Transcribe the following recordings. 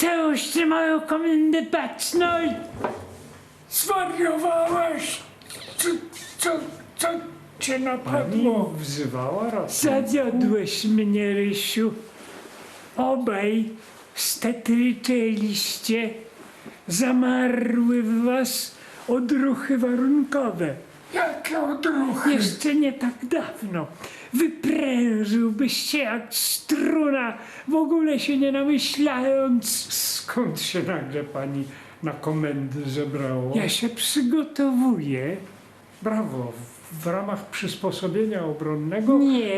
Czemuś ty moją komendę baczność? Zwariowałeś? Co cię Pani napadło? wzywała raz. Zawiodłeś mnie, Rysiu. Obaj stetryczeliście. Zamarły w was odruchy warunkowe. Jakie odruchy? Jeszcze nie tak dawno wyprężyłbyś się jak struna, w ogóle się nie namyślając. Skąd się nagle pani na komendy zebrało? Ja się przygotowuję. Brawo, w ramach przysposobienia obronnego?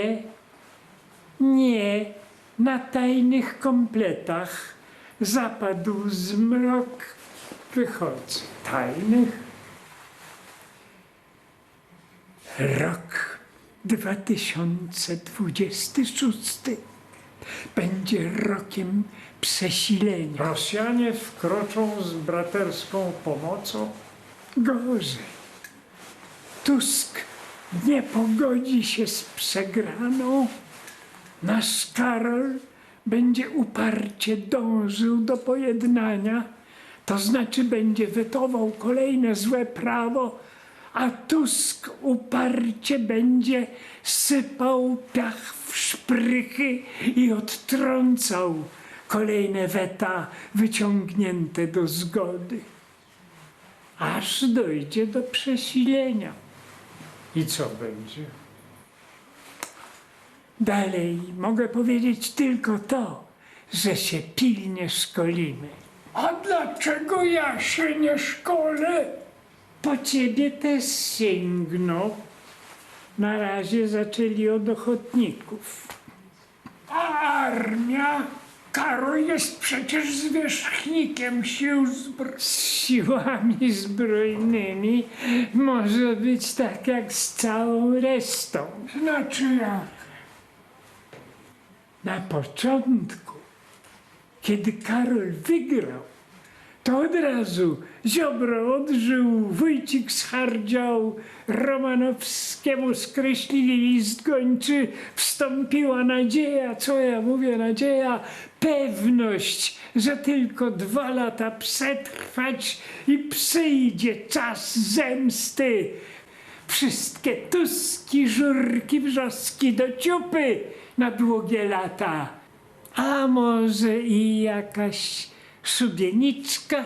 Nie, na tajnych kompletach zapadł zmrok. Wychodzę. Tajnych? Rok 2026 będzie rokiem przesilenia. Rosjanie wkroczą z braterską pomocą? Gorzej. Tusk nie pogodzi się z przegraną. Nasz Karol będzie uparcie dążył do pojednania, to znaczy będzie wetował kolejne złe prawo, a Tusk uparcie będzie sypał piach w szprychy i odtrącał kolejne weta wyciągnięte do zgody, aż dojdzie do przesilenia. I co będzie? Dalej mogę powiedzieć tylko to, że się pilnie szkolimy. A dlaczego ja się nie szkolę? Po ciebie też sięgną. Na razie zaczęli od ochotników. A armia? Karol jest przecież zwierzchnikiem sił zbrojnych. Z siłami zbrojnymi może być tak jak z całą resztą. Znaczy jak? Na początku, kiedy Karol wygrał, to od razu Ziobro odżył, Wójcik schardział, Romanowskiemu skreślili list gończy, wstąpiła nadzieja, co ja mówię, nadzieja, pewność, że tylko 2 lata przetrwać i przyjdzie czas zemsty. Wszystkie Tuski, Żurki, Wrzoski do ciupy na długie lata. A może i jakaś szubieniczka?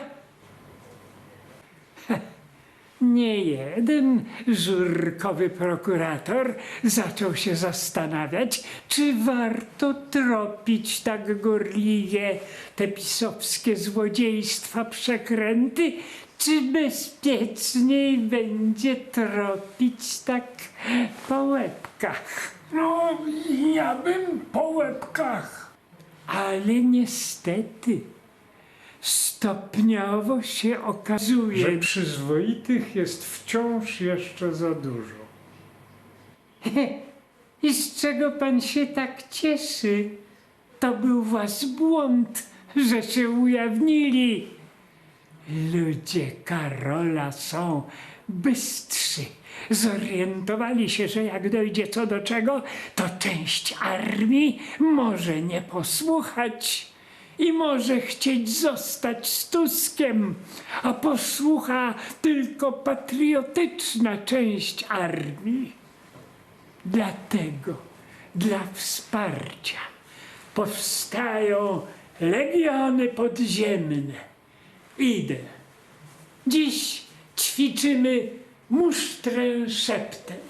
Nie jeden żurkowy prokurator zaczął się zastanawiać, czy warto tropić tak gorliwie te pisowskie złodziejstwa, przekręty, czy bezpieczniej będzie tropić tak po łebkach. No, ja bym po łebkach. Ale niestety stopniowo się okazuje, Że przyzwoitych jest wciąż jeszcze za dużo. i z czego pan się tak cieszy? To był wasz błąd, że się ujawnili. Ludzie Karola są bystrzy. Zorientowali się, że jak dojdzie co do czego, to część armii może nie posłuchać i może chcieć zostać z Tuskiem, a posłucha tylko patriotyczna część armii. Dlatego dla wsparcia powstają legiony podziemne. Idę. Dziś ćwiczymy musztrę szeptem.